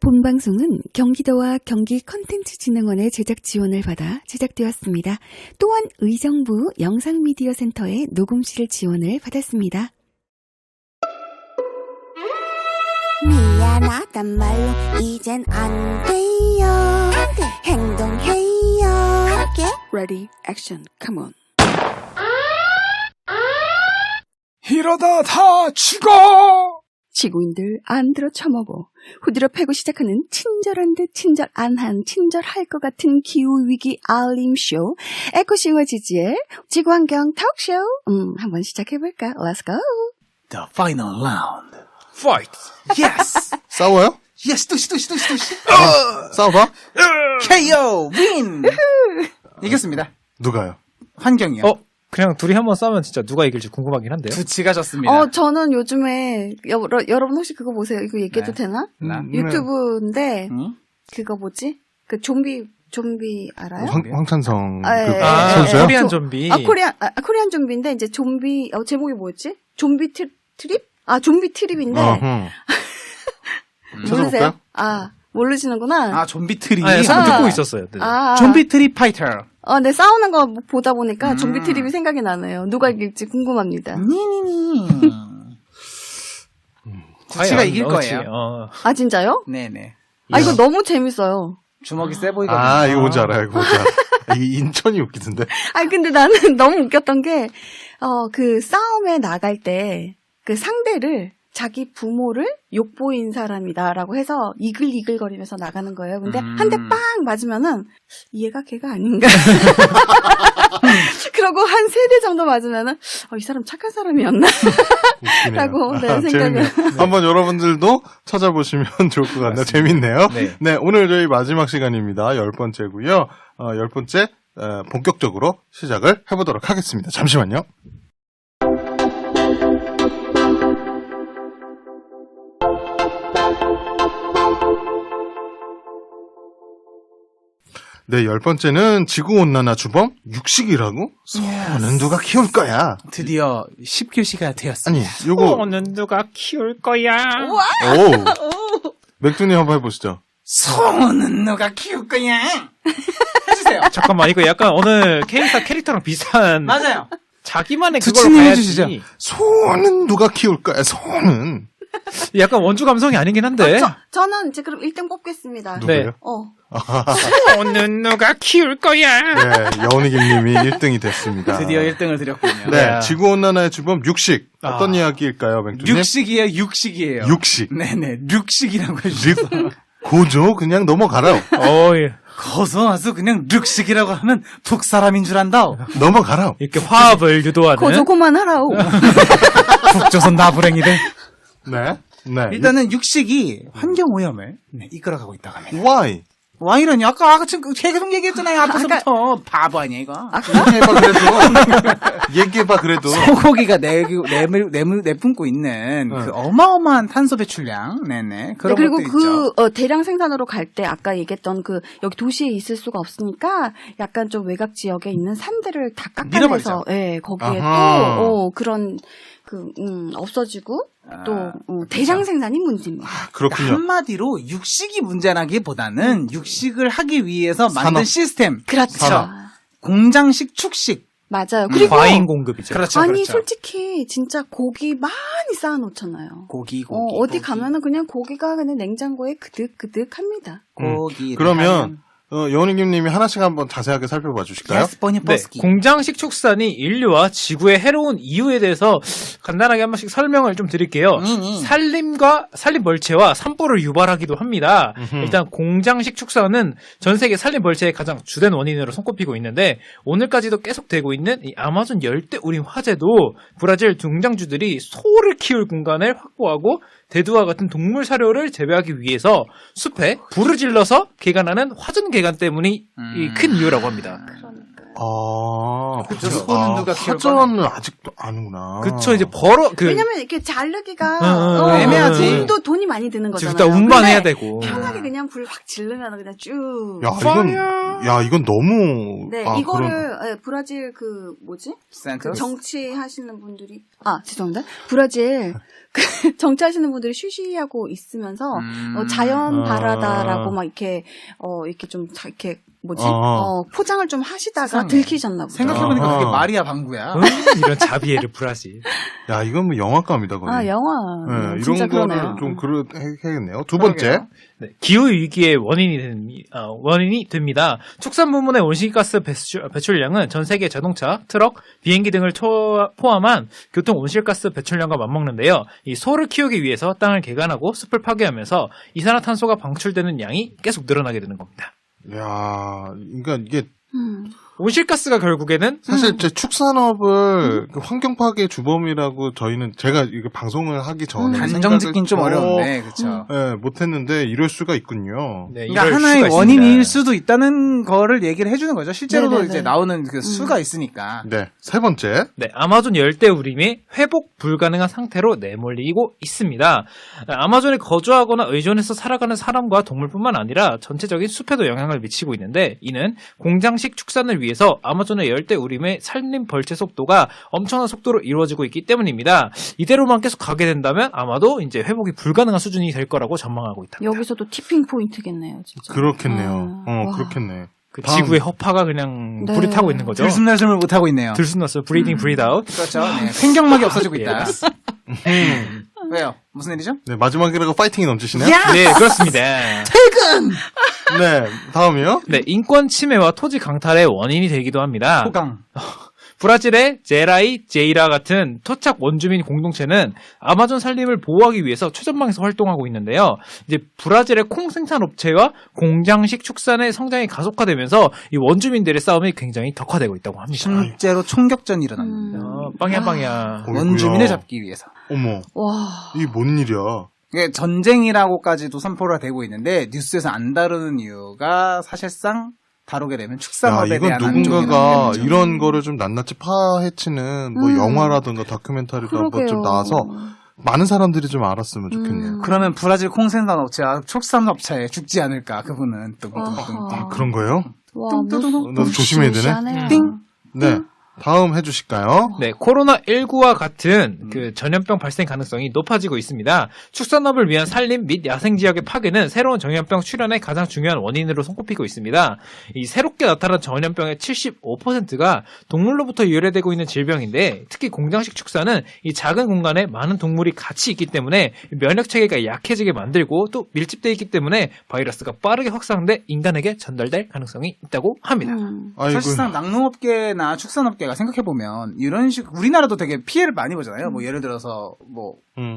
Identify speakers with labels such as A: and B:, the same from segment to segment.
A: 본방송은 경기도와 경기컨텐츠진흥원의 제작 지원을 받아 제작되었습니다. 또한 의정부 영상미디어센터의 녹음실 지원을 받았습니다.
B: 미안하단 말로 이젠 안 돼요. 행동해요. 할게.
A: Ready, action, come on.
C: 이러다 다 죽어!
A: 지구인들 안 들어 처먹어 후드려 패고 시작하는 친절한 듯 친절 안한 친절할 것 같은 기후위기 알림쇼 에코싱어 지지의 지구환경 톡쇼 한번 시작해볼까? Let's go!
C: The final round.
D: Fight!
C: Yes!
E: 싸워요?
C: yes, 두시.
E: 싸워봐?
C: KO! Win! 이겼습니다.
E: 누가요?
C: 환경이요.
D: 그냥 둘이 한번 싸우면 진짜 누가 이길지 궁금하긴 한데요.
C: 두치가 졌습니다.
A: 저는 요즘에 여러분 혹시 그거 보세요? 이거 얘기해도
C: 네.
A: 되나?
C: 나?
A: 유튜브인데
C: 응?
A: 그거 뭐지? 그 좀비 알아요?
E: 황찬성
A: 예,
E: 선수요?
D: 코리안 좀비.
A: 코리안 좀비인데 이제 좀비 제목이 뭐였지? 좀비 트립? 좀비 트립인데 모르세요?
E: 찾아볼까요?
A: 모르시는구나.
C: 좀비 트리.
D: 네, 듣고 있었어요. 네.
C: 좀비 트리 파이터.
A: 네, 싸우는 거 보다 보니까 좀비 트립이 생각이 나네요. 누가 이길지 궁금합니다.
C: 니니니. 두치가 이길 거예요.
A: 진짜요?
C: 네네.
A: 이거 너무 재밌어요.
C: 주먹이 세 보이거든요.
E: 이거 뭔지 알아요. 이거 뭔지 알아. 이게 인천이 웃기던데.
A: 근데 나는 너무 웃겼던 게, 그 싸움에 나갈 때, 그 상대를 자기 부모를 욕보인 사람이다라고 해서 이글이글거리면서 나가는 거예요. 근데 한 대 빵 맞으면은 얘가 걔가 아닌가. 그러고 한 3대 정도 맞으면은 이 사람 착한 사람이었나? 라고 생각을.
E: 재밌네요. 한번 여러분들도 찾아보시면 좋을 것 같네요. 재밌네요. 네, 오늘 저희 마지막 시간입니다. 10번째고요. 10번째 본격적으로 시작을 해보도록 하겠습니다. 잠시만요. 네, 10번째는 지구온난화 주범 육식이라고? 소는 누가 키울 거야?
C: 드디어 10교시가 되었습니다.
E: 아니, 요거.
D: 소는 누가 키울 거야?
E: 오. 맥주님 한번 해보시죠.
C: 소는 누가 키울 거야? 해주세요.
D: 잠깐만, 이거 약간 오늘 캐릭터랑 비슷한.
C: 맞아요.
D: 자기만의 그걸로
C: 두치님
D: 가야지.
C: 해주시죠.
E: 소는 누가 키울 거야? 소는.
D: 약간 원주 감성이 아니긴 한데.
A: 저는 이제 그럼 1등 뽑겠습니다.
E: 누구예요?
D: 소는 누가 키울 거야?
E: 네, 여운이김님이 1등이 됐습니다.
C: 드디어 1등을 드렸군요.
E: 네, 지구온난화의 주범 육식. 어떤 이야기일까요, 맥주님?
C: 육식이에요.
E: 육식.
C: 네네, 육식이라고 해주셔서.
E: 고조 그냥 넘어가라.
D: 예.
C: 거서와서 그냥 육식이라고 하면 북사람인 줄 안다.
E: 넘어가라.
D: 이렇게 화합을 유도하는.
A: 고조고만 하라오.
C: 북조선 나부랭이들.
E: 네.
C: 일단은 육식이 환경오염을 이끌어가고 있다고 합니다.
E: Why?
C: 와이러니 아까 지금 계속 얘기했잖아요. 앞에서부터 바보 아니야 이거.
E: 얘기해봐 그래도.
C: 소고기가 내뿜고 있는 그 어마어마한 탄소 배출량, 네네. 그런
A: 그리고
C: 것도 있죠.
A: 대량 생산으로 갈 때 아까 얘기했던 여기 도시에 있을 수가 없으니까 약간 좀 외곽 지역에 있는 산들을 다 깎아내서, 거기에 또, 그런, 없어지고, 또, 대량 생산이 문제입니다.
E: 그렇군요.
C: 한마디로 육식이 문제라기보다는 육식을 하기 위해서 만든
E: 산업.
C: 시스템.
A: 그렇죠.
C: 공장식 축식.
A: 맞아요. 그리고
D: 과잉 공급이죠.
C: 그렇죠.
A: 아니
C: 그렇죠.
A: 솔직히 진짜 고기 많이 쌓아놓잖아요.
C: 고기.
A: 어디 가면은 그냥 고기가 그냥 냉장고에 그득그득합니다.
C: 고기.
E: 그러면 여운이김님이 하나씩 한번 자세하게 살펴봐 주실까요?
C: 예스버니
D: 네,
C: 버스키.
D: 공장식 축산이 인류와 지구에 해로운 이유에 대해서 간단하게 한 번씩 설명을 좀 드릴게요. 산림 벌채와 산불을 유발하기도 합니다. 일단 공장식 축산은 전 세계 산림 벌채의 가장 주된 원인으로 손꼽히고 있는데 오늘까지도 계속되고 있는 이 아마존 열대우림 화재도 브라질 중장주들이 소를 키울 공간을 확보하고 대두와 같은 동물 사료를 재배하기 위해서 숲에 불을 질러서 개간하는 화전 개간 때문이 큰 이유라고 합니다.
C: 그쵸. 소는 누가 키울
E: 화전은 아직도 아는구나.
D: 그쵸, 이제
A: 왜냐면 이렇게 자르기가
D: 애매하지.
A: 돈이 많이 드는 거잖아요.
D: 일단 운반해야
A: 근데
D: 되고.
A: 편하게 그냥 그냥 불 확 지르면 그냥 쭉.
E: 이건 너무.
A: 네, 이거를 네, 브라질 그 뭐지? 그 정치하시는 분들이 죄송합니다. 브라질 그 정치하시는 분들이 쉬쉬하고 있으면서 자연 발화다라고 막 이렇게 이렇게 좀 이렇게 뭐지? 포장을 좀 하시다가
C: 세상에.
A: 들키셨나 보다.
C: 생각해보니까 그게 마리아 방구야.
D: 이런 자비에를 브라질.
E: 야, 이건 뭐 영화감이다, 거의.
A: 영화.
E: 네,
A: 진짜
E: 이런 거를
A: 그러네요.
E: 좀 해야겠네요. 두 번째.
D: 네, 기후 위기의 원인이 됩니다. 축산 부문의 온실가스 배출량은 전 세계 자동차, 트럭, 비행기 등을 포함한 교통 온실가스 배출량과 맞먹는데요. 이 소를 키우기 위해서 땅을 개간하고 숲을 파괴하면서 이산화탄소가 방출되는 양이 계속 늘어나게 되는 겁니다.
E: 야, 그러니까 이게
D: 온실가스가 결국에는
E: 사실 제 축산업을 그 환경 파괴 주범이라고 제가 이거 방송을 하기 전에
C: 단정 짓긴 좀 어려운데, 그쵸.
E: 네, 못했는데 이럴 수가 있군요.
D: 네,
C: 그러니까
D: 이럴
C: 하나의
D: 수가
C: 원인일
D: 있습니다.
C: 수도 있다는 거를 얘기를 해주는 거죠. 실제로도
A: 네네네.
C: 이제 나오는 그 수가 있으니까.
E: 네, 세 번째.
D: 네, 아마존 열대우림이 회복 불가능한 상태로 내몰리고 있습니다. 아마존에 거주하거나 의존해서 살아가는 사람과 동물뿐만 아니라 전체적인 숲에도 영향을 미치고 있는데 이는 공장식 축산을 위해서 아마존의 열대우림의 산림 벌채 속도가 엄청난 속도로 이루어지고 있기 때문입니다. 이대로만 계속 가게 된다면 아마도 이제 회복이 불가능한 수준이 될 거라고 전망하고 있다.
A: 여기서도 티핑 포인트겠네요, 진짜.
E: 그렇겠네요.
A: 와.
E: 그렇겠네.
D: 그
E: 다음.
D: 지구의 허파가 그냥
A: 네.
D: 불이 타고 있는 거죠.
C: 들숨날숨을 못하고 있네요.
D: 들숨났어요. 브리딩, 브리드 아웃.
C: 그렇죠. 네, 생경막이 없어지고 있다. 왜요? 무슨 일이죠?
E: 네, 마지막이라고 파이팅이 넘치시네요.
D: 네, 그렇습니다.
E: 네, 다음이요.
D: 네, 인권 침해와 토지 강탈의 원인이 되기도 합니다.
C: 호강.
D: 브라질의 제라이 제이라 같은 토착 원주민 공동체는 아마존 산림을 보호하기 위해서 최전방에서 활동하고 있는데요. 이제 브라질의 콩 생산 업체와 공장식 축산의 성장이 가속화되면서 이 원주민들의 싸움이 굉장히 덕화되고 있다고 합니다.
C: 실제로 총격전이 일어납니다.
D: 빵야.
C: 원주민을 잡기 위해서.
E: 어머,
A: 와.
E: 이게 뭔 일이야?
C: 이게 전쟁이라고까지도 선포가 되고 있는데 뉴스에서 안 다루는 이유가 사실상 다루게 되면
E: 야,
C: 축산업에
E: 이건
C: 대한
E: 누군가가
C: 한쪽이라는
E: 이런 거를 좀 낱낱이 파헤치는 뭐 영화라든가 다큐멘터리가 뭐
A: 그러게요.
E: 좀 나와서 많은 사람들이 좀 알았으면 좋겠네요.
C: 그러면 브라질 콩생산 업체와 축산업체에 죽지 않을까 그분은
A: 아하.
E: 그런 거예요?
A: 와,
E: 나도 조심해야 되네.
C: 띵.
E: 네. 다음 해주실까요?
D: 네, 코로나19와 같은 그 전염병 발생 가능성이 높아지고 있습니다. 축산업을 위한 산림 및 야생 지역의 파괴는 새로운 전염병 출현의 가장 중요한 원인으로 손꼽히고 있습니다. 이 새롭게 나타난 전염병의 75%가 동물로부터 유래되고 있는 질병인데 특히 공장식 축산은 이 작은 공간에 많은 동물이 같이 있기 때문에 면역 체계가 약해지게 만들고 또 밀집되어 있기 때문에 바이러스가 빠르게 확산돼 인간에게 전달될 가능성이 있다고 합니다.
E: 아이고.
C: 사실상 낙농업계나 축산업계가 생각해보면 이런 식 우리나라도 되게 피해를 많이 보잖아요. 뭐 예를 들어서 뭐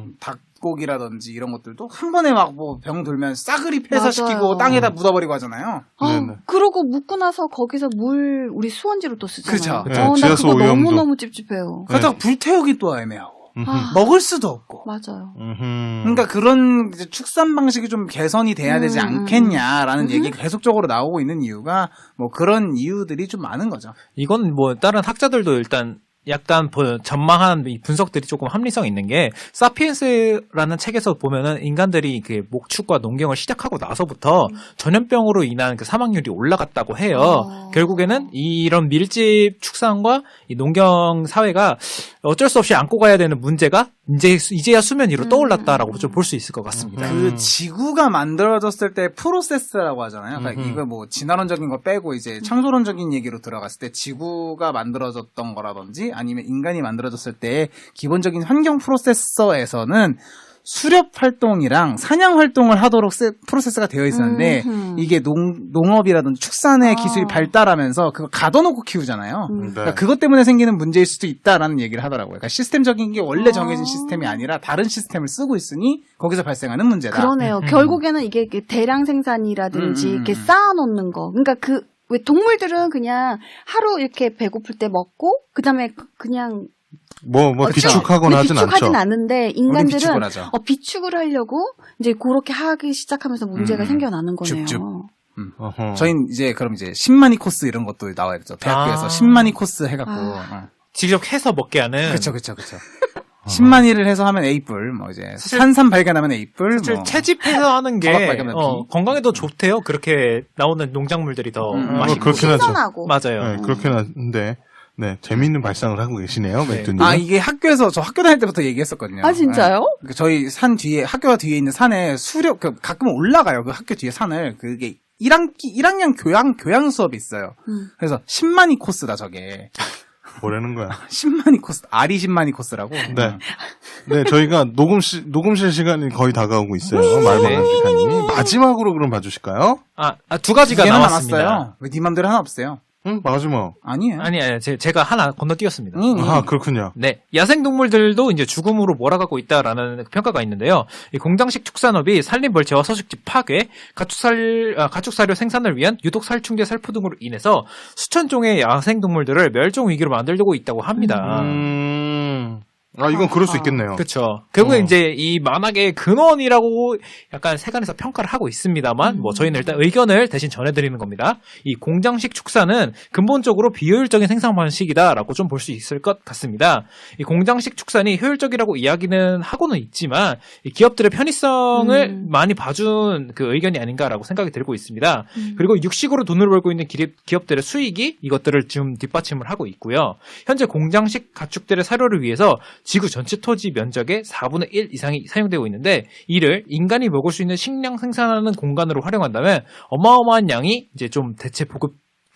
C: 닭고기라든지 이런 것들도 한 번에 막 뭐 병 돌면 싸그리 폐사시키고
A: 맞아요.
C: 땅에다 묻어버리고 하잖아요.
E: 네네.
A: 그러고 묻고 나서 거기서 물 우리 수원지로 또 쓰잖아요.
C: 그쵸.
E: 네,
A: 나
E: 지하수
A: 그거
E: 오염도.
A: 너무너무 찝찝해요.
C: 그러다가 불태우기 또 애매하고
A: 아,
C: 먹을 수도 없고.
A: 맞아요.
C: 그러니까 그런 이제 축산 방식이 좀 개선이 돼야 되지 않겠냐라는 얘기가 계속적으로 나오고 있는 이유가 뭐 그런 이유들이 좀 많은 거죠.
D: 이건 뭐 다른 학자들도 일단 약간 전망한 이 분석들이 조금 합리성 있는 게 사피엔스라는 책에서 보면은 인간들이 그 목축과 농경을 시작하고 나서부터 전염병으로 인한 그 사망률이 올라갔다고 해요. 결국에는 이런 밀집 축산과 이 농경 사회가 어쩔 수 없이 안고 가야 되는 문제가 이제야 수면 위로 떠올랐다라고 좀 볼 수 있을 것 같습니다.
C: 그 지구가 만들어졌을 때 프로세스라고 하잖아요. 그러니까 이거 뭐 진화론적인 거 빼고 이제 창조론적인 얘기로 들어갔을 때 지구가 만들어졌던 거라든지 아니면 인간이 만들어졌을 때 기본적인 환경 프로세서에서는 수렵 활동이랑 사냥 활동을 하도록 프로세스가 되어 있었는데 이게 농업이라든지 축산의 기술이 발달하면서 그걸 가둬놓고 키우잖아요. 그러니까 그것 때문에 생기는 문제일 수도 있다라는 얘기를 하더라고요. 그러니까 시스템적인 게 원래 정해진 시스템이 아니라 다른 시스템을 쓰고 있으니 거기서 발생하는 문제다.
A: 그러네요. 결국에는 이게 대량 생산이라든지 이렇게 쌓아놓는 거. 그러니까 왜 동물들은 그냥 하루 이렇게 배고플 때 먹고 그다음에 그냥
E: 비축하거나 하진 않죠.
A: 비축하진 않는데 인간들은
C: 비축을 하죠.
A: 비축을 하려고 이제 그렇게 하기 시작하면서 문제가 생겨나는 거네요.
C: 줍줍.
E: 어허.
C: 저희는 이제 그럼 이제 10만이 코스 이런 것도 나와야 되죠. 대학교에서 10만이 코스 해갖고.
D: 직접 해서 먹게 하는.
C: 그쵸. 10만이를 해서 하면 A뿔, 뭐 이제 산삼 발견하면 A뿔,
D: 사실
C: 뭐
D: 채집해서 하는 게
C: 바닥 발견하면 B.
D: 건강에 더 좋대요. 그렇게 나오는 농작물들이 더 맛있고.
E: 그렇긴 하죠.
A: 신선하고.
D: 맞아요.
E: 네, 그렇긴 한데, 네, 재미있는 발상을 하고 계시네요,
D: 네.
E: 맥주님.
C: 아 이게 학교에서 저 학교 다닐 때부터 얘기했었거든요.
A: 아, 진짜요?
C: 네. 저희 산 뒤에 학교가 뒤에 있는 산에 가끔 올라가요. 그 학교 뒤에 산을 그게 1학년 교양 수업이 있어요. 그래서 10만이 코스다 저게.
E: 뭐라는 거야.
C: 10만이 코스, 아리 10만이 코스라고.
E: 네. 네, 저희가 녹음실 시간이 거의 다가오고 있어요. 말만한 시간이. 마지막으로 그럼 봐주실까요?
D: 두 가지가
C: 개는
D: 남았습니다.
C: 남았어요. 왜 네 맘대로 하나 없어요?
E: 응, 마지막.
C: 아니에요.
D: 아니, 제가 하나 건너뛰었습니다.
E: 아, 그렇군요.
D: 네. 야생동물들도 이제 죽음으로 몰아가고 있다라는 평가가 있는데요. 이 공장식 축산업이 산림 벌채와 서식지 파괴, 가축사료 생산을 위한 유독 살충제 살포 등으로 인해서 수천 종의 야생동물들을 멸종 위기로 만들고 있다고 합니다.
E: 이건 그럴 수 있겠네요.
D: 그렇죠. 결국에 이제 이 만악의 근원이라고 약간 세간에서 평가를 하고 있습니다만, 뭐 저희는 일단 의견을 대신 전해드리는 겁니다. 이 공장식 축사는 근본적으로 비효율적인 생산 방식이다라고 좀 볼 수 있을 것 같습니다. 이 공장식 축산이 효율적이라고 이야기는 하고는 있지만, 이 기업들의 편의성을 많이 봐준 그 의견이 아닌가라고 생각이 들고 있습니다. 그리고 육식으로 돈을 벌고 있는 기업들의 수익이 이것들을 지금 뒷받침을 하고 있고요. 현재 공장식 가축들의 사료를 위해서 지구 전체 토지 면적의 4분의 1 이상이 사용되고 있는데, 이를 인간이 먹을 수 있는 식량 생산하는 공간으로 활용한다면 어마어마한 양이 이제 좀 대체 보급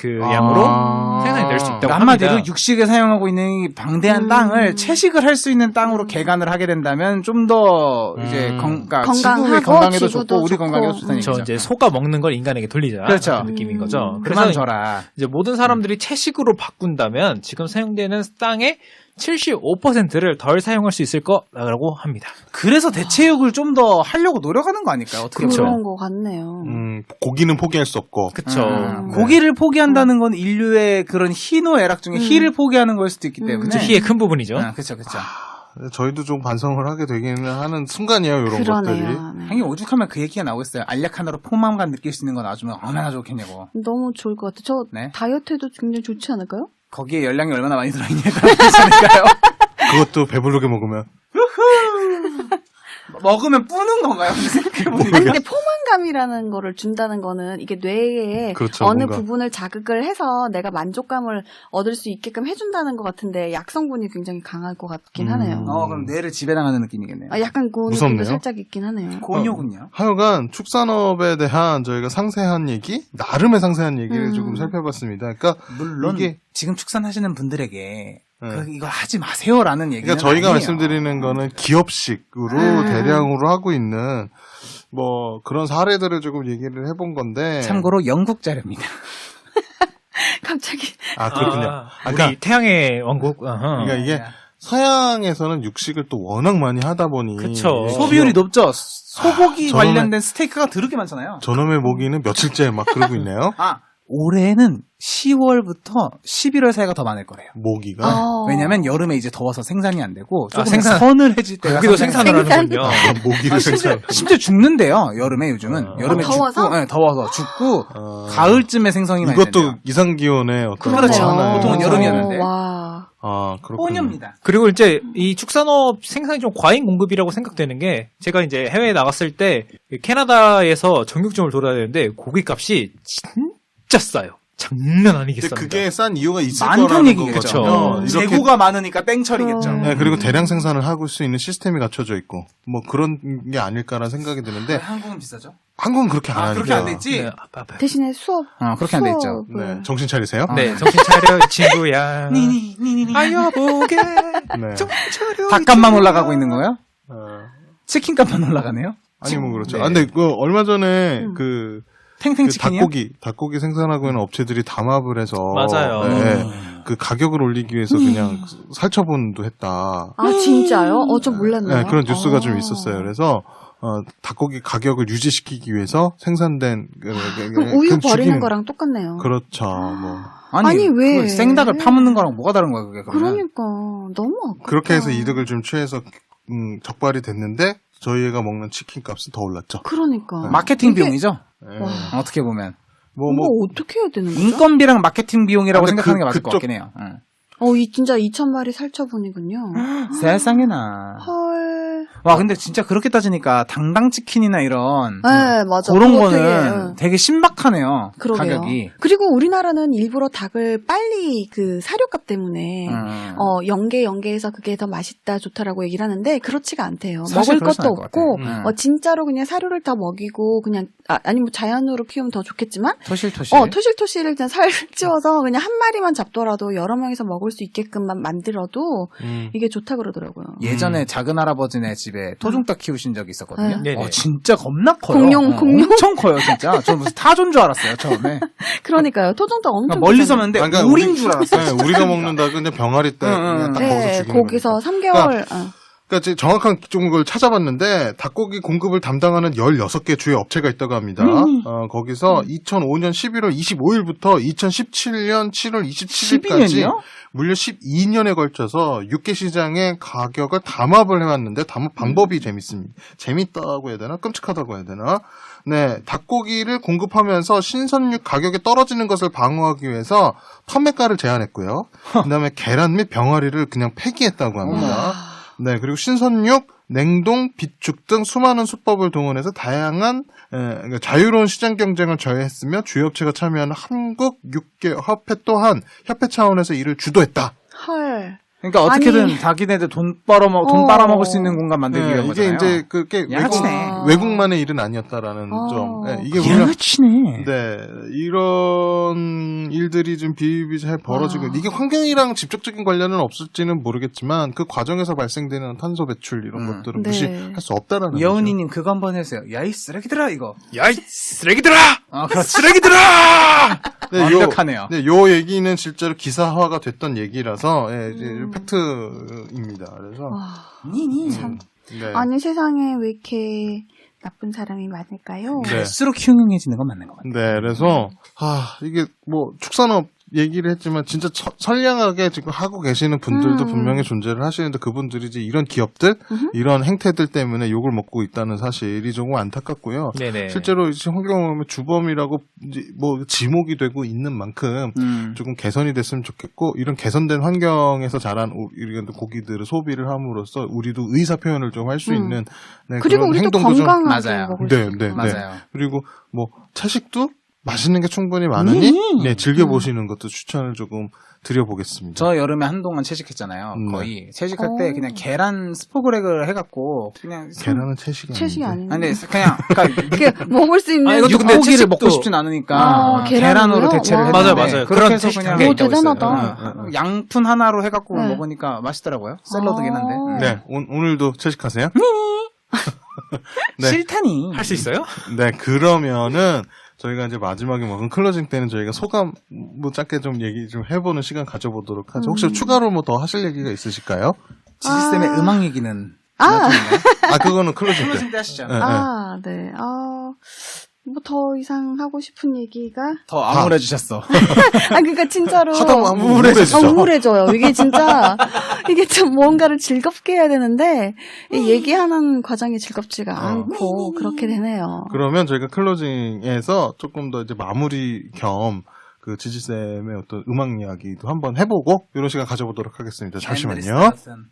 D: 양으로 생산이 될 수 있다고
C: 그러니까
D: 합니다.
C: 한마디로 육식에 사용하고 있는 이 방대한 땅을 채식을 할 수 있는 땅으로 개간을 하게 된다면 좀 더 이제
A: 건강하고
C: 지구의 건강에도
A: 지구도
C: 좋고 우리
A: 좋고.
C: 건강에도 좋다는
D: 저
C: 얘기죠.
D: 이제 소가 먹는 걸 인간에게 돌리자.
C: 그렇죠.
D: 그런 느낌인 거죠.
C: 그만
D: 그래서
C: 줘라.
D: 이제 모든 사람들이 채식으로 바꾼다면 지금 사용되는 땅의 75%를 덜 사용할 수 있을 거라고 합니다.
C: 그래서 대체육을 좀 더 하려고 노력하는 거 아닐까요? 어떻게
D: 그렇죠.
C: 보면.
A: 그런 것 같네요.
E: 고기는 포기할 수 없고.
D: 그쵸.
C: 고기를 포기한다는 건 인류의 그런 희노애락 중에 희를 포기하는 걸 수도 있기 때문에.
D: 그쵸, 희의 큰 부분이죠.
C: 그렇죠, 그렇죠.
E: 저희도 좀 반성을 하게 되기는 하는 순간이에요, 이런 것들이.
A: 그러네요. 네.
C: 형님 오죽하면 그 얘기가 나오겠어요. 알약 하나로 포만감 느낄 수 있는 거 놔주면 얼마나 좋겠냐고.
A: 너무 좋을 것 같아요. 저
C: 네.
A: 다이어트에도 굉장히 좋지 않을까요?
C: 거기에 열량이 얼마나 많이 들어있냐에 따라 그렇지 않을까요?
E: 그것도 배부르게 먹으면.
C: 먹으면 뿌는 건가요? 생각해보니까.
A: 아니, 근데 포만감이라는 거를 준다는 거는 이게 뇌에
E: 그렇죠,
A: 어느
E: 뭔가.
A: 부분을 자극을 해서 내가 만족감을 얻을 수 있게끔 해준다는 것 같은데 약성분이 굉장히 강할 것 같긴 하네요.
C: 그럼 뇌를 지배당하는 느낌이겠네요.
A: 약간 그
E: 무섭네요.
A: 느낌도 살짝 있긴 하네요.
C: 곤욕은요?
E: 하여간 축산업에 대한 저희가 상세한 얘기, 나름의 상세한 얘기를 조금 살펴봤습니다. 그러니까
C: 물론
E: 이게
C: 지금 축산하시는 분들에게
E: 네.
C: 이거 하지 마세요라는 얘기는
E: 그러니까 저희가
C: 아니에요.
E: 말씀드리는 거는 기업식으로 대량으로 하고 있는 뭐 그런 사례들을 조금 얘기를 해본 건데.
C: 참고로 영국 자료입니다.
A: 갑자기
E: 아, 그렇군요. 그러니까,
D: 우리 태양의 왕국. 어허.
E: 그러니까 이게 서양에서는 육식을 또 워낙 많이 하다 보니
D: 그쵸.
C: 소비율이 높죠. 소고기
E: 저놈의-
C: 관련된 스테이크가 더럽게 많잖아요.
E: 저놈의 모기는 며칠째 막 그러고 있네요.
C: 올해는 10월부터 11월 사이가 더 많을 거래요.
E: 모기가.
C: 왜냐면 여름에 이제 더워서 생산이 안 되고 조금
D: 생산-
C: 서늘해질 때가
D: 거기도
C: 상당히
D: 생산을 하는군요.
E: 모기를 생산.
C: 심지어 죽는데요. 여름에 요즘은 여름에
A: 더워서?
C: 죽고, 네, 더워서 죽고 가을쯤에 생성이 많이
E: 이것도
C: 된대요.
E: 이상기온의 어떤
C: 그렇죠.
E: 하나의-
C: 보통은 여름이었는데.
A: 와.
E: 아, 그렇군요.
C: 혼입니다.
D: 그리고 이제 이 축산업 생산이 좀 과잉 공급이라고 생각되는 게, 제가 이제 해외에 나갔을 때 캐나다에서 정육점을 돌아야 되는데 고기값이 진짜 싸요. 장난 아니게
E: 근데
D: 쌉니다.
E: 그게 싼 이유가 있을
C: 많다는
E: 거라는
C: 얘기겠죠.
E: 거거든요. 이렇게
C: 재고가 많으니까 땡처리겠죠.
E: 네, 그리고 대량 생산을 하고 수 있는 시스템이 갖춰져 있고 뭐 그런 게 아닐까라는 생각이 드는데
C: 한국은 비싸죠?
E: 한국은 그렇게 안 하니까.
C: 그렇게 안 돼 있지?
D: 네,
A: 대신에 수업.
C: 그렇게 안 돼 있죠.
A: 수업을.
E: 네, 정신 차리세요.
D: 네, 정신 차려, 이 친구야. 아여보게.
E: 네.
D: 정신 차려.
C: 닭값만 올라가고 있는 거예요?
E: 어,
C: 치킨값만 올라가네요?
E: 아니 뭐 그렇죠.
C: 네.
E: 아, 근데 그 얼마 전에 그
C: 탱탱 치킨이요?
E: 닭고기 생산하고 있는 업체들이 담합을 해서
D: 맞아요.
E: 네, 그 가격을 올리기 위해서 그냥 살처분도 했다.
A: 아, 진짜요? 좀 몰랐네요.
E: 네, 그런 뉴스가 좀 있었어요. 그래서 닭고기 가격을 유지시키기 위해서 생산된
A: 그럼 우유
E: 그
A: 버리는
E: 죽이는-
A: 거랑 똑같네요.
E: 그렇죠. 뭐
A: 아니, 왜?
C: 그 생닭을 파묻는 거랑 뭐가 다른 거야, 그게 그러면?
A: 그러니까 너무 아깝다.
E: 그렇게 해서 이득을 좀 취해서 적발이 됐는데 저희가 먹는 치킨 값은 더 올랐죠.
A: 그러니까.
C: 마케팅
A: 이게-
C: 비용이죠?
E: 네.
A: 와.
C: 어떻게 보면.
A: 뭐 어떻게 해야 되는 거죠?
C: 인건비랑 마케팅 비용이라고
E: 아, 근데
C: 생각하는 게 맞을 것
E: 그쪽-
C: 같긴 해요. 응.
A: 진짜 2,000마리 살처분이군요.
C: 세상에나.
A: 헐.
C: 와, 근데 진짜 그렇게 따지니까 당당치킨이나 이런
A: 네, 맞아.
C: 그런
A: 그거
C: 거는 되게 신박하네요.
A: 그러게요.
C: 가격이.
A: 그리고 우리나라는 일부러 닭을 빨리 그 사료값 때문에 연계해서 그게 더 맛있다 좋다라고 얘기를 하는데 그렇지가 않대요.
C: 사실
A: 먹을
C: 그렇진
A: 것도
C: 않을 것
A: 없고
C: 같아요.
A: 진짜로 그냥 사료를 다 먹이고 그냥 아니면 자연으로 키우면 더 좋겠지만
C: 토실토실.
A: 토실토실을 그냥 살찌워서 그냥 한 마리만 잡더라도 여러 명이서 먹을 수 있게끔만 만들어도 이게 좋다 그러더라고요.
C: 예전에 작은 할아버지네 집에 토종닭 키우신 적이 있었거든요.
D: 네네.
C: 진짜 겁나 커요.
A: 공룡.
C: 엄청 커요, 진짜. 저 무슨 타조인 줄 알았어요, 처음에.
A: 그러니까요. 토종닭 엄청
C: 멀리서
A: 크잖아요.
C: 봤는데
E: 그러니까
C: 우린 줄 알았어요.
E: 네, 우리가 먹는 닭은 그냥 병아리 때 그냥 딱 거기서
A: 네,
E: 죽이는
A: 거기서
E: 거니까.
A: 3개월.
E: 그러니까 이제 정확한 걸 찾아봤는데 닭고기 공급을 담당하는 16개 주요 업체가 있다고 합니다. 거기서 2005년 11월 25일부터 2017년 7월 27일까지
C: 12년이요?
E: 무려 12년에 걸쳐서 육개 시장의 가격을 담합을 해왔는데 담합 방법이 재밌습니다. 재밌다고 해야 되나? 끔찍하다고 해야 되나? 네, 닭고기를 공급하면서 신선육 가격이 떨어지는 것을 방어하기 위해서 판매가를 제한했고요. 그다음에 계란 및 병아리를 그냥 폐기했다고 합니다. 네, 그리고 신선육, 냉동, 비축 등 수많은 수법을 동원해서 다양한 그러니까 자유로운 시장 경쟁을 저해했으며 주요 업체가 참여하는 한국 육계 협회 또한 협회 차원에서 이를 주도했다.
A: 헐.
C: 그러니까 어떻게든 자기네들 돈 빨아먹을 수 있는 공간 만들기 위한
E: 이게
C: 거잖아요.
E: 이제 그게
C: 양아치네.
E: 외국만의 일은 아니었다라는 점. 네, 이게 우리가
C: 양아치네.
E: 네, 이런 일들이 좀 비일비재하게 벌어지고 이게 환경이랑 직접적인 관련은 없을지는 모르겠지만 그 과정에서 발생되는 탄소 배출 이런 것들은
A: 네.
E: 무시할 수 없다라는 거죠.
C: 여운이님 그거 한번 해주세요. 야이 쓰레기들아 이거.
D: 야이 쓰레기들아!
C: 그렇지.
D: 쓰레기들아!
E: 네,
C: 완벽하네요.
E: 요 얘기는 실제로 기사화가 됐던 얘기라서 이제 팩트입니다. 그래서
C: 니니.
E: 네.
A: 아니 세상에 왜 이렇게 나쁜 사람이 많을까요?
E: 네.
C: 갈수록 흉흉해지는 건 맞는 것 같아요.
E: 네, 그래서 이게 뭐 축산업 얘기를 했지만 진짜 선량하게 지금 하고 계시는 분들도 분명히 존재를 하시는데 그분들이 이제 이런 기업들, 이런 행태들 때문에 욕을 먹고 있다는 사실이 조금 안타깝고요.
D: 네네.
E: 실제로 이제 환경오염의 주범이라고 이제 뭐 지목이 되고 있는 만큼 조금 개선이 됐으면 좋겠고 이런 개선된 환경에서 자란 우리 고기들을 소비를 함으로써 우리도 의사 표현을 좀 할 수 있는 네,
A: 그리고
E: 그런
A: 우리도
E: 행동도 좀
A: 건강하게
C: 맞아요.
A: 먹을
E: 네,
A: 수 있고.
E: 네, 네.
C: 맞아요.
E: 그리고 뭐 채식도 맛있는 게 충분히 많으니 네, 즐겨보시는 것도 추천을 조금 드려보겠습니다.
C: 저 여름에 한동안 채식했잖아요. 거의 채식할 때 그냥 계란 스포그렉을 해갖고 그냥
E: 계란은 채식이
A: 채식이
E: 아닌데.
A: 아닌데.
C: 아니 그냥
A: 이렇게 먹을 수 있는
C: 이것도 근데
D: 육고기를
C: 채식도
D: 먹고
C: 먹고 싶진 않으니까
A: 계란으로요?
C: 계란으로 대체를
A: 와.
C: 했는데
D: 맞아요.
C: 그렇게
D: 그런
C: 해서
D: 채식
C: 그냥
D: 단계가
A: 오,
D: 있다고
A: 대단하다.
D: 있어요.
C: 양푼 하나로 해갖고
A: 네.
C: 먹으니까 맛있더라고요. 샐러드긴 한데.
E: 네, 오늘도 채식하세요? 네.
C: 싫다니.
D: 할 수 있어요?
E: 네, 그러면은 저희가 이제 마지막에 먹은 클로징 때는 저희가 소감 뭐 짧게 좀 얘기 좀 해보는 시간 가져보도록 하죠. 혹시 추가로 뭐 더 하실 얘기가 있으실까요?
C: 지지쌤의 음악 얘기는
E: 그거는 클로징 때.
C: 클로징 때 하시죠.
E: 네.
A: 네. 뭐 더 이상 하고 싶은 얘기가?
C: 더 암울해주셨어.
A: 그러니까 진짜로.
E: 하다 보면 우울해지죠.
A: 우울해져요. 이게 진짜, 이게 좀 뭔가를 즐겁게 해야 되는데, 이 얘기하는 과정이 즐겁지가 않고, 그렇게 되네요.
E: 그러면 저희가 클로징에서 조금 더 이제 마무리 겸 그 지지쌤의 어떤 음악 이야기도 한번 해보고 이런 시간 가져보도록 하겠습니다. 잠시만요.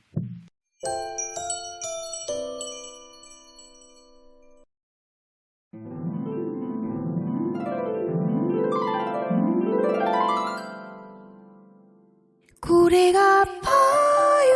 B: 고래가 아파요.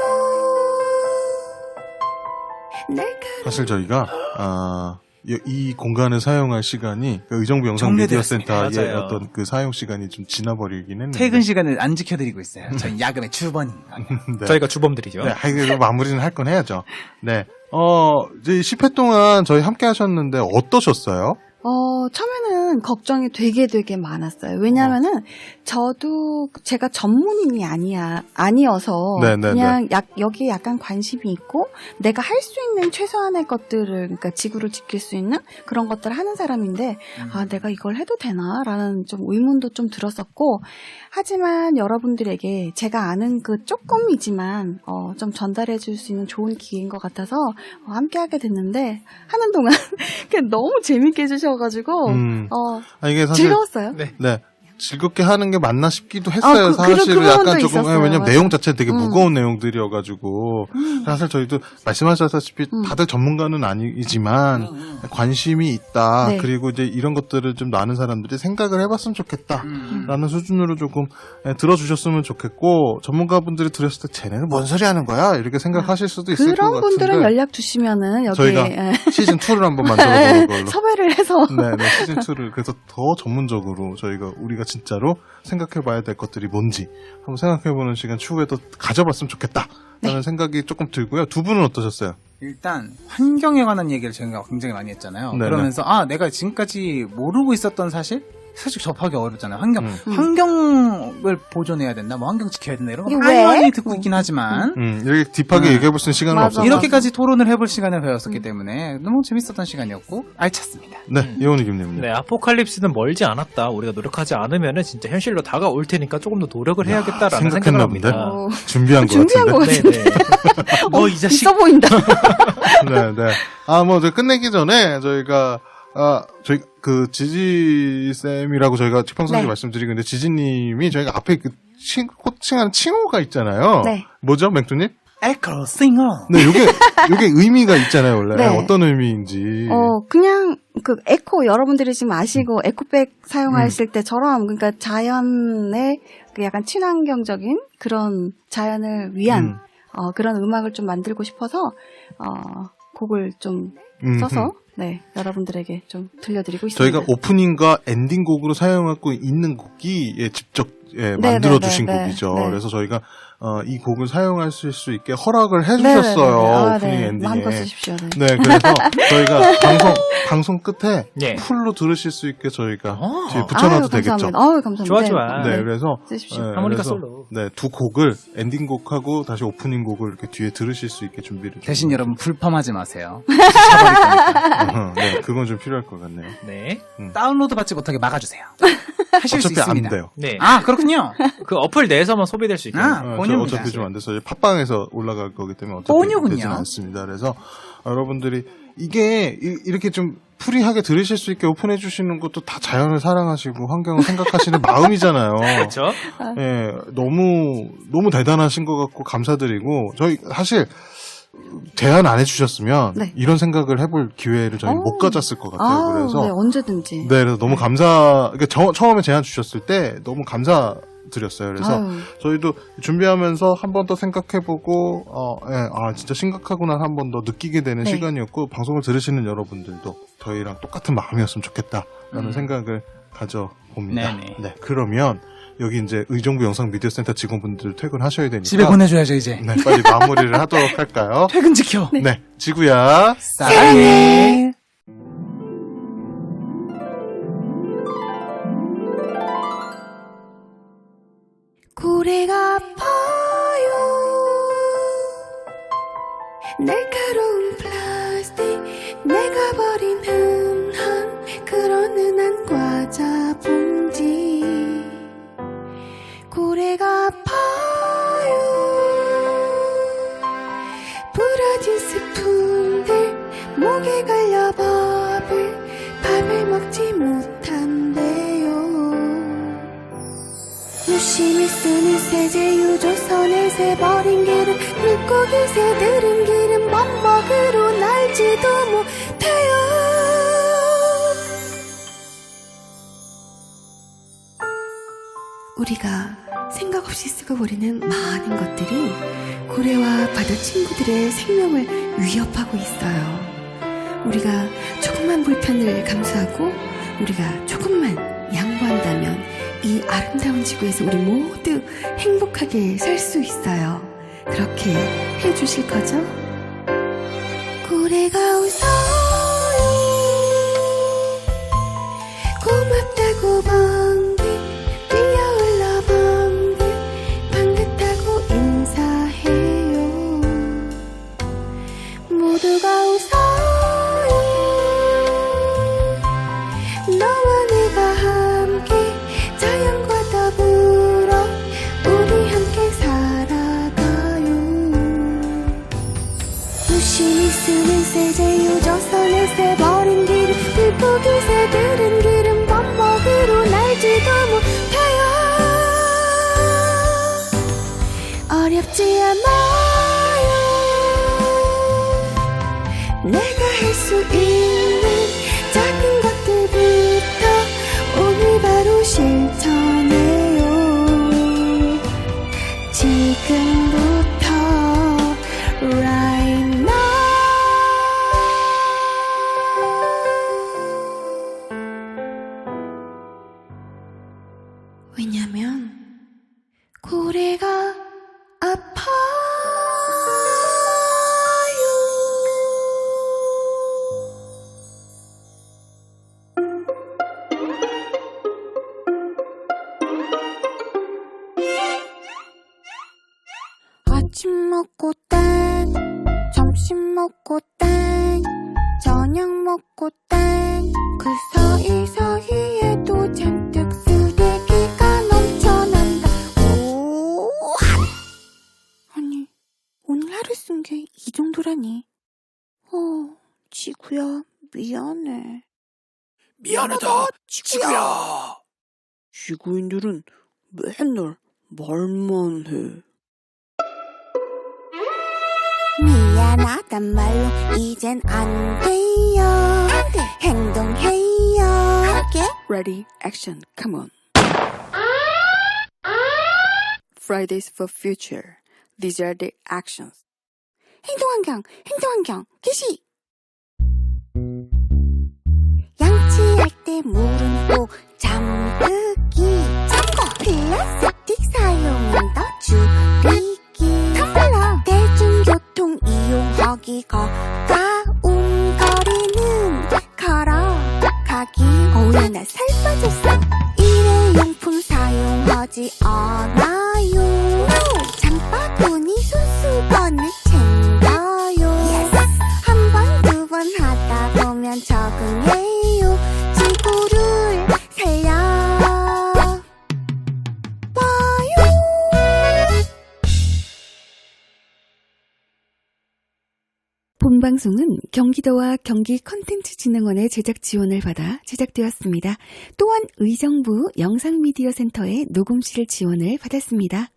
E: 사실 저희가 이 공간을 사용할 시간이 그 의정부 영상미디어센터의
C: 맞아요.
E: 어떤 그 사용 시간이 좀 지나버리긴 했는데
C: 퇴근 시간을 안 지켜드리고 있어요. 저희 야근의 주번이.
E: 네.
D: 저희가 주범들이죠.
E: 네, 그래도 마무리는 할 건 해야죠. 네. 이제 10회 동안 저희 함께 하셨는데 어떠셨어요?
A: 처음에는 걱정이 되게 많았어요. 왜냐면은, 저도 제가 전문인이 아니어서,
E: 네네네.
A: 그냥 여기에 약간 관심이 있고, 내가 할 수 있는 최소한의 것들을, 그러니까 지구를 지킬 수 있는 그런 것들을 하는 사람인데, 내가 이걸 해도 되나? 라는 좀 의문도 좀 들었었고, 하지만 여러분들에게 제가 아는 그 조금이지만, 좀 전달해 줄 수 있는 좋은 기회인 것 같아서, 함께 하게 됐는데, 하는 동안, 그냥 너무 재밌게 해주셔가지고,
E: 이게 사실
A: 즐거웠어요.
D: 네.
E: 네. 즐겁게 하는 게 맞나 싶기도 했어요.
A: 그- 그런
E: 사실은 약간
A: 부분도
E: 조금
A: 있었어요.
E: 왜냐면
A: 맞아.
E: 내용 자체가 되게 무거운 내용들이어가지고 사실 저희도 말씀하셨다시피 다들 전문가는 아니지만 관심이 있다.
A: 네.
E: 그리고 이제 이런 것들을 좀 아는 사람들이 생각을 해봤으면 좋겠다라는 수준으로 조금 들어주셨으면 좋겠고 전문가분들이 들었을 때 쟤네는 뭔 소리 하는 거야 이렇게 생각하실 수도 있을 것
A: 그런
E: 같은데
A: 분들은 연락 주시면은 여기
E: 저희가 시즌 2를 한번 만들어 보는 걸로.
A: 섭외를 해서
E: 네, 시즌 2를 그래서 더 전문적으로 우리가 진짜로 생각해봐야 될 것들이 뭔지 한번 생각해보는 시간 추후에도 가져봤으면 좋겠다라는 생각이 조금 들고요. 두 분은 어떠셨어요?
C: 일단 환경에 관한 얘기를 저희가 굉장히 많이 했잖아요.
E: 네네.
C: 그러면서 내가 지금까지 모르고 있었던 사실 접하기 어렵잖아요. 환경을 보존해야 된다, 뭐 환경 지켜야 된다 이런 거
A: 이게
C: 많이
A: 왜?
C: 많이 듣고 있긴 하지만
E: 이렇게 딥하게 얘기해볼 수 있는 시간은
A: 맞아.
E: 없었죠.
C: 이렇게까지 토론을 해볼 시간을 배웠었기 때문에 너무 재밌었던 시간이었고 알찼습니다.
E: 네, 이원희 김님.
D: 네, 아포칼립스는 멀지 않았다. 우리가 노력하지 않으면은 진짜 현실로 다가올 테니까 조금 더 노력을 해야겠다라는 생각을
E: 생각했나
D: 합니다.
E: 본데? 준비한 것
A: 준비한
E: 같은데.
A: 것
D: 네, 네. 너 이 자식.
A: 있어 보인다.
E: 네, 네. 저 끝내기 전에 저희가 그 지지쌤이라고 저희가 책방송에서
A: 네.
E: 말씀드리고 있는데 지지님이 저희가 앞에 호칭하는 칭호가 있잖아요.
A: 네.
E: 뭐죠, 맹두님?
C: 에코 싱어.
E: 네, 요게 의미가 있잖아요, 원래.
A: 네.
E: 어떤 의미인지.
A: 그냥 그 에코 여러분들이 지금 아시고 에코백 사용하실 때처럼 그러니까 자연의 그 약간 친환경적인 그런 자연을 위한 그런 음악을 좀 만들고 싶어서 곡을 좀 써서 네, 여러분들에게 좀 들려드리고 있습니다.
E: 저희가 오프닝과 엔딩 곡으로 사용하고 있는 곡이 직접 만들어 주신
A: 네,
E: 곡이죠.
A: 네.
E: 그래서 저희가 이 곡을 사용하실 수 있게 허락을 해주셨어요. 오프닝 엔딩에.
A: 마음껏 쓰십시오. 네.
E: 네, 그래서 저희가 방송 끝에
D: 네.
E: 풀로 들으실 수 있게 저희가 뒤에
A: 아유,
E: 붙여놔도 되겠죠.
A: 감사합니다. 아유, 감사합니다.
D: 좋아, 좋아.
E: 네, 그래서
A: 쓰십시오.
D: 하모니카
E: 그래서,
D: 솔로.
E: 네, 두 곡을 엔딩 곡하고 다시 오프닝 곡을 이렇게 뒤에 들으실 수 있게 준비를
C: 대신
E: 좀-
C: 여러분 불펌하지 마세요. 차버릴 거니까.
E: 네, 그건 좀 필요할 것 같네요.
D: 네.
C: 다운로드 받지 못하게 막아주세요. 하실 수
E: 어차피 안
C: 있습니다.
E: 돼요.
D: 네.
C: 그렇군요.
D: 그 어플 내에서만 소비될 수 있게.
C: 본유입니다.
E: 어차피 좀 안 돼서 이제 팟빵에서 올라갈 거기 때문에 어차피
C: 본유군요.
E: 되지는 않습니다. 그래서 여러분들이 이게 이렇게 좀 프리하게 들으실 수 있게 오픈해 주시는 것도 다 자연을 사랑하시고 환경을 생각하시는 마음이잖아요.
D: 그렇죠.
E: 예, 너무 대단하신 것 같고 감사드리고 저희 사실 제안 안 해주셨으면
A: 네.
E: 이런 생각을 해볼 기회를 저희 못 가졌을 것 같아요. 그래서
A: 네, 언제든지.
E: 네, 그래서 너무 그러니까 처음에 제안 주셨을 때 너무 감사드렸어요. 그래서
A: 아유.
E: 저희도 준비하면서 한 번 더 생각해보고, 진짜 심각하구나 한 번 더 느끼게 되는
A: 네.
E: 시간이었고, 방송을 들으시는 여러분들도 저희랑 똑같은 마음이었으면 좋겠다라는 생각을 가져봅니다.
C: 네네.
E: 네, 그러면 여기 이제 의정부 영상미디어센터 직원분들 퇴근하셔야 되니까.
C: 집에 보내줘야죠 이제.
E: 네, 빨리 마무리를 하도록 할까요?
C: 퇴근 지켜.
E: 네, 지구야.
C: 사랑해.
B: 고래가 아파요 날카로운 플라스틱 내가 버린 흔한 그런 흔한 과자 봉지 고래가 아파요 부러진 스푼들 목에 걸려 밥을 먹지 못한대요 유심히 쓰는 세제 유조선에 새버린 기름 물고기 새들은 기름 범벅으로 날지도 못해요 우리가 생각 없이 쓰고 버리는 많은 것들이 고래와 바다 친구들의 생명을 위협하고 있어요 우리가 조금만 불편을 감수하고 우리가 조금만 양보한다면 이 아름다운 지구에서 우리 모두 행복하게 살 수 있어요. 그렇게 해주실 거죠? 고래가 웃어요. 고맙다고 번개 뛰어올라 번개 반갑다고 인사해요. 모두가 웃어요. 너와 내가 함께 자연과 더불어 우리 함께 살아가요 유심히 쓰는 세제 유조선에 새버린 기름 물고기 새들은 기름 범벅으로 날지도 못해 왜냐면 고래가 아파요.
A: 아침 먹고 땡, 점심 먹고 땡, 저녁 먹고 땡. 그 사이사이에도 잔뜩 쓰레기가 넘쳐난다. 오, 아니, 오늘 하루 쓴 게 이 정도라니. 지구야, 미안해.
F: 미안하다, 지구야.
A: 지구인들은 맨날 말만 해. 미안하단 말로 이젠 안 돼요. 안 돼. 행동해요. Get ready, action, come on. Fridays for future. These are the actions. 행동환경, 개시. 양치할 때 물은 꼭 잠그기. 잠궈. 플라스틱 사용은 더 줄이기. 텀블러. 대중교통 이용하기 가까운 거리는 걸어가기. 어우야 나 살 빠졌어. 일회용품 사용하지 않아요. 장바구니 손수건을 챙겨요. 한 번, 두 번 하다 보면 적응해요. 지구를 살려봐요.
B: 본방송은 경기도와 경기컨텐츠진흥원의 제작 지원을 받아 제작되었습니다. 또한 의정부 영상미디어센터의 녹음실 지원을 받았습니다.